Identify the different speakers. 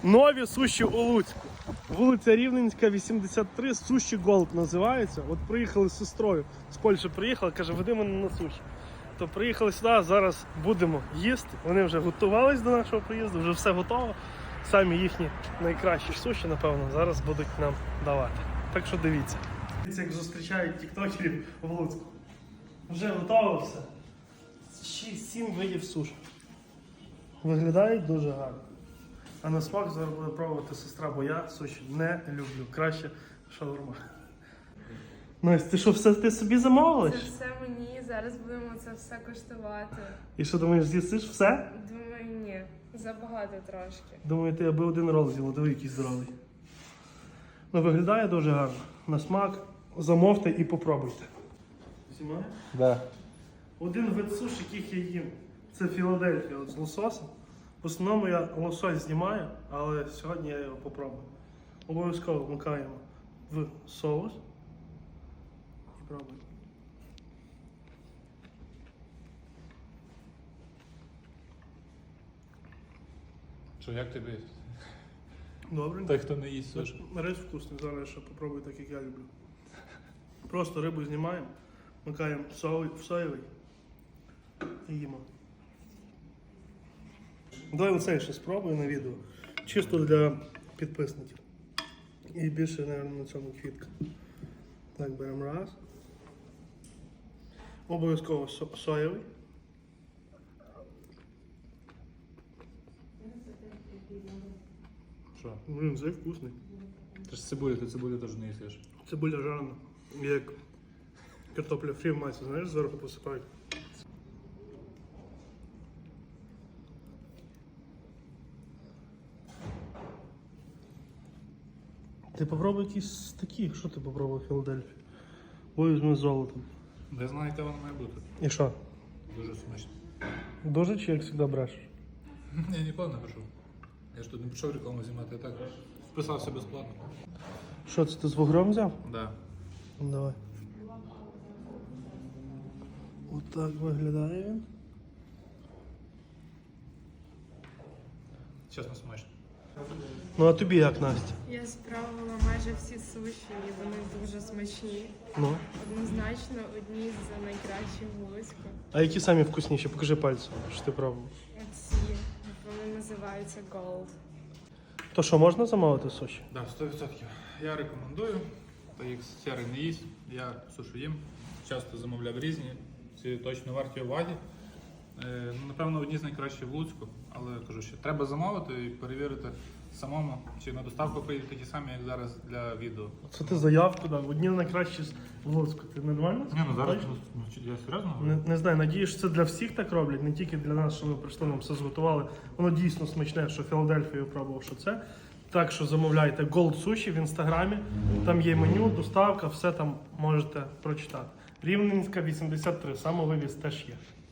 Speaker 1: Нові суші у Луцьку. Вулиця Рівненська, 83, суші Голд називається. От приїхали з сестрою, з Польщі приїхала, каже, веди мене на суші. То приїхали сюди, зараз будемо їсти. Вони вже готувались до нашого приїзду, вже все готово. Самі їхні найкращі суші, напевно, зараз будуть нам давати. Так що дивіться. Дивіться, як зустрічають тіктокерів в Луцьку. Вже готово все. 6-7 видів суші. Виглядають дуже гарно. А на смак зараз буде пробувати сестра, бо я суші не люблю. Краще шаурма. Настя, ти що, все ти собі замовилась?
Speaker 2: Це все мені, зараз будемо це все коштувати.
Speaker 1: І що, думаєш, з'їсиш все?
Speaker 2: Думаю, ні, забагато трошки.
Speaker 1: Думаю, ти аби один рол з'їла, диви, який здоровий. Ну, виглядає дуже гарно. На смак замовте і попробуйте. Знімає?
Speaker 3: Да.
Speaker 1: Один вид суш, яких я їм, це Філадельфія от з лососем. В основному я лосось знімаю, але сьогодні я його попробую. Обов'язково вмикаємо в соус і пробуємо.
Speaker 3: Що, як тобі?
Speaker 1: Добре.
Speaker 3: Той, хто не їсть суші.
Speaker 1: Рис вкусний, зараз я ще попробую так, як я люблю. Просто рибу знімаємо, вмикаємо в соєвий і їмо. Давай оцей ще спробую на відео. Чисто для підписників. І більше, мабуть, на цьому квітка. Так, беремо раз. Обов'язково соєвий.
Speaker 3: Що?
Speaker 1: Блін, цей вкусний.
Speaker 3: Ти ж цибулю, ти цибулю теж не їсиш.
Speaker 1: Цибуля жарена. Як картопля фрі в масі, знаєш, зверху посипають. Ти попробуй якісь з таких, що ти попробував в Філадельфії? Бо візьми з золотом.
Speaker 3: Я знаю, яка вона має бути.
Speaker 1: І що?
Speaker 3: Дуже смачно.
Speaker 1: Дуже чи як завжди брешеш?
Speaker 3: Я ніколи не пишу. Я ж тут не пішов рекламу знімати, я так вписався безплатно.
Speaker 1: Що це ти з вугром взяв?
Speaker 3: Да.
Speaker 1: Ну, давай. Отак виглядає він.
Speaker 3: Чесно, смачно.
Speaker 1: Ну а тобі як, Настя?
Speaker 2: Я спробувала майже всі суші, і вони дуже смачні.
Speaker 1: Ну.
Speaker 2: Однозначно одні з найкращих в Луцьку.
Speaker 1: А які самі вкусніші? Покажи пальцем, що ти пробував.
Speaker 2: Оці, вони називаються Gold.
Speaker 1: То що, можна замовити суші?
Speaker 3: Так, 100%. Я рекомендую. Та їх сірий не їсть. Я суші їм. Часто замовляв різні. Ці точно варті уваги. Напевно, одні з найкращих в Луцьку, але кажу, що треба замовити і перевірити самому, чи на доставку приїдуть такі самі, як зараз для відео.
Speaker 1: Це ти заявку дав, одні найкращі в Луцьку. Ти нормально?
Speaker 3: Ні, ну зараз
Speaker 1: Точно?
Speaker 3: я серйозно
Speaker 1: Не,
Speaker 3: говорю?
Speaker 1: не знаю, надіюсь, що це для всіх так роблять, не тільки для нас, що ми прийшли, нам все зготували. Воно дійсно смачне, що Філадельфію пробував, що це. Так що замовляйте Gold Sushi в інстаграмі, там є меню, доставка, все там можете прочитати. Рівненська 83, самовивіз теж є.